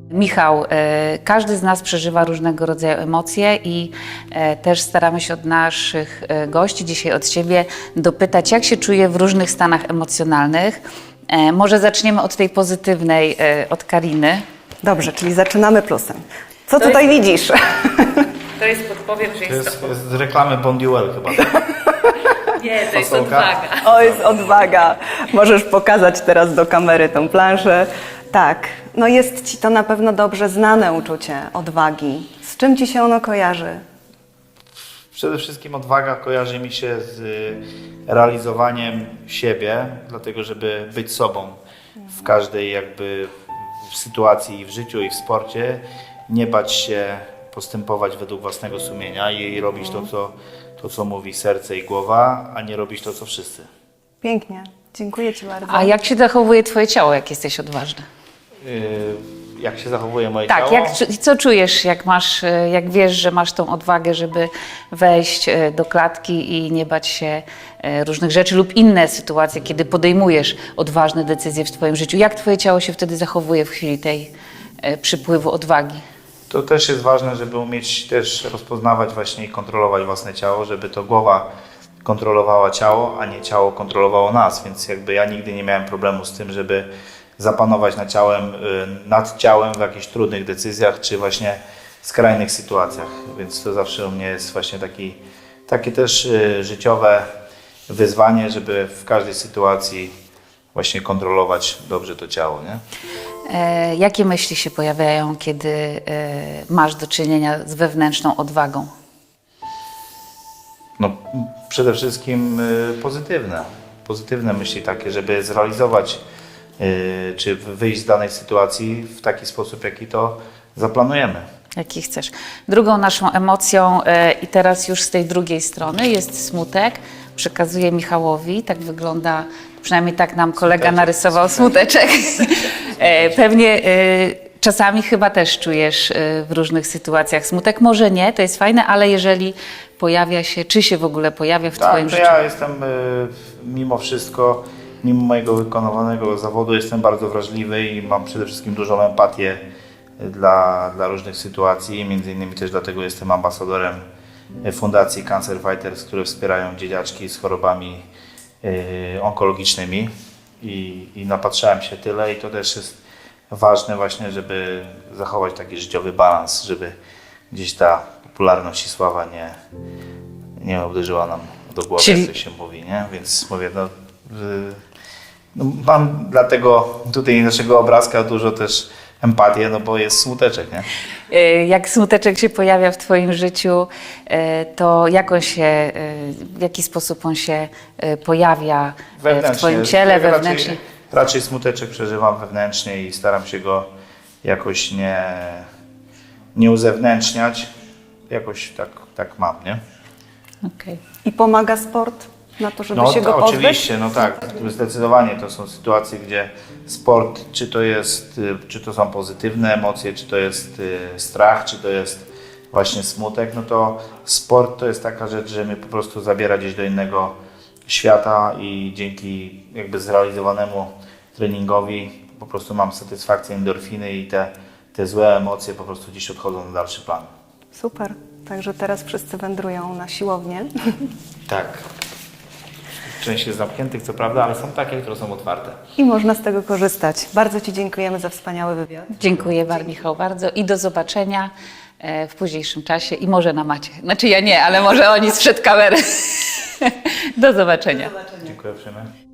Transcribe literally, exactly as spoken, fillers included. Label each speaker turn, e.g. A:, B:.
A: Michał, e, każdy z nas przeżywa różnego rodzaju emocje i e, też staramy się od naszych e, gości, dzisiaj od Ciebie, dopytać, jak się czuje w różnych stanach emocjonalnych. E, może zaczniemy od tej pozytywnej, e, od Kariny.
B: Dobrze, czyli zaczynamy plusem. Co
A: To
B: tutaj
A: jest-
B: widzisz?
A: To jest podpowiem, że
C: To jest z reklamy Bonduel chyba.
A: Nie, to
C: jest odwaga.
B: O, jest odwaga. Możesz pokazać teraz do kamery tą planszę. Tak, no jest Ci to na pewno dobrze znane uczucie odwagi. Z czym Ci się ono kojarzy?
C: Przede wszystkim odwaga kojarzy mi się z y, realizowaniem siebie, dlatego żeby być sobą w każdej jakby w sytuacji i w życiu i w sporcie, nie bać się postępować według własnego sumienia i robić to co, to, co mówi serce i głowa, a nie robić to, co wszyscy.
B: Pięknie, dziękuję Ci bardzo.
A: A jak się zachowuje Twoje ciało, jak jesteś odważny?
C: Y, jak się zachowuje moje
A: Tak,
C: ciało?
A: jak, co czujesz, jak masz, e, jak wiesz, że masz tą odwagę, żeby wejść e, do klatki i nie bać się e, różnych rzeczy lub inne sytuacje, kiedy podejmujesz odważne decyzje w Twoim życiu. Jak Twoje ciało się wtedy zachowuje w chwili tej e, przypływu odwagi?
C: To też jest ważne, żeby umieć też rozpoznawać właśnie i kontrolować własne ciało, żeby to głowa kontrolowała ciało, a nie ciało kontrolowało nas, więc jakby ja nigdy nie miałem problemu z tym, żeby zapanować nad ciałem, y, nad ciałem w jakichś trudnych decyzjach, czy właśnie skrajnych sytuacjach, więc to zawsze u mnie jest właśnie taki, takie też y, życiowe wyzwanie, żeby w każdej sytuacji właśnie kontrolować dobrze to ciało, nie?
A: E, jakie myśli się pojawiają, kiedy e, masz do czynienia z wewnętrzną odwagą?
C: No, przede wszystkim y, pozytywne. Pozytywne myśli takie, żeby zrealizować y, czy wyjść z danej sytuacji w taki sposób, jaki to zaplanujemy.
A: Jaki chcesz. Drugą naszą emocją e, i teraz już z tej drugiej strony jest smutek. Przekazuję Michałowi, tak wygląda, przynajmniej tak nam kolega
C: Smuteczek.
A: narysował smuteczek. E, Pewnie e, czasami chyba też czujesz e, w różnych sytuacjach smutek. Może nie, to jest fajne, ale jeżeli pojawia się, czy się w ogóle pojawia w
C: Tak,
A: Twoim
C: to
A: życiu?
C: ja jestem y, mimo wszystko, mimo mojego wykonywanego zawodu, jestem bardzo wrażliwy i mam przede wszystkim dużą empatię dla, dla różnych sytuacji. Między innymi też dlatego jestem ambasadorem Fundacji Cancer Fighters, które wspierają dzieciaczki z chorobami y, onkologicznymi i, i napatrzałem się tyle i to też jest ważne właśnie, żeby zachować taki życiowy balans, żeby gdzieś ta popularność i sława nie, nie uderzyła nam do głowy,
A: Czyli-
C: jak to się mówi, nie? Więc mówię, no, y, no mam dlatego tutaj naszego obrazka dużo też empatię, no bo jest smuteczek, nie?
A: E, Jak smuteczek się pojawia w Twoim życiu, e, to jak on się, e, w jaki sposób on się e, pojawia e, w Twoim ciele,
C: Raczej-
A: wewnętrznie?
C: Raczej smuteczek przeżywam wewnętrznie i staram się go jakoś nie, nie uzewnętrzniać. Jakoś tak, tak mam, nie?
A: Okej.
B: I pomaga sport na to, żeby
C: No
B: się go
C: to,
B: pozbyć?
C: oczywiście, no tak, zdecydowanie to są sytuacje, gdzie sport, czy to jest, y, czy to są pozytywne emocje, czy to jest y, strach, czy to jest właśnie smutek, no to sport to jest taka rzecz, że mnie po prostu zabiera gdzieś do innego świata i dzięki jakby zrealizowanemu treningowi po prostu mam satysfakcję, endorfiny i te, te złe emocje po prostu gdzieś odchodzą na dalszy plan.
B: Super, także teraz wszyscy wędrują na siłownię.
C: Tak. Część jest zamkniętych, co prawda, ale są takie, które są otwarte.
B: I można z tego korzystać. Bardzo Ci dziękujemy za wspaniały wywiad.
A: Dziękuję bardzo, Michał, bardzo i do zobaczenia e, w późniejszym czasie i może na macie. Znaczy ja nie, ale może oni sprzed kamery. Do zobaczenia.
C: Dziękuję uprzejmie.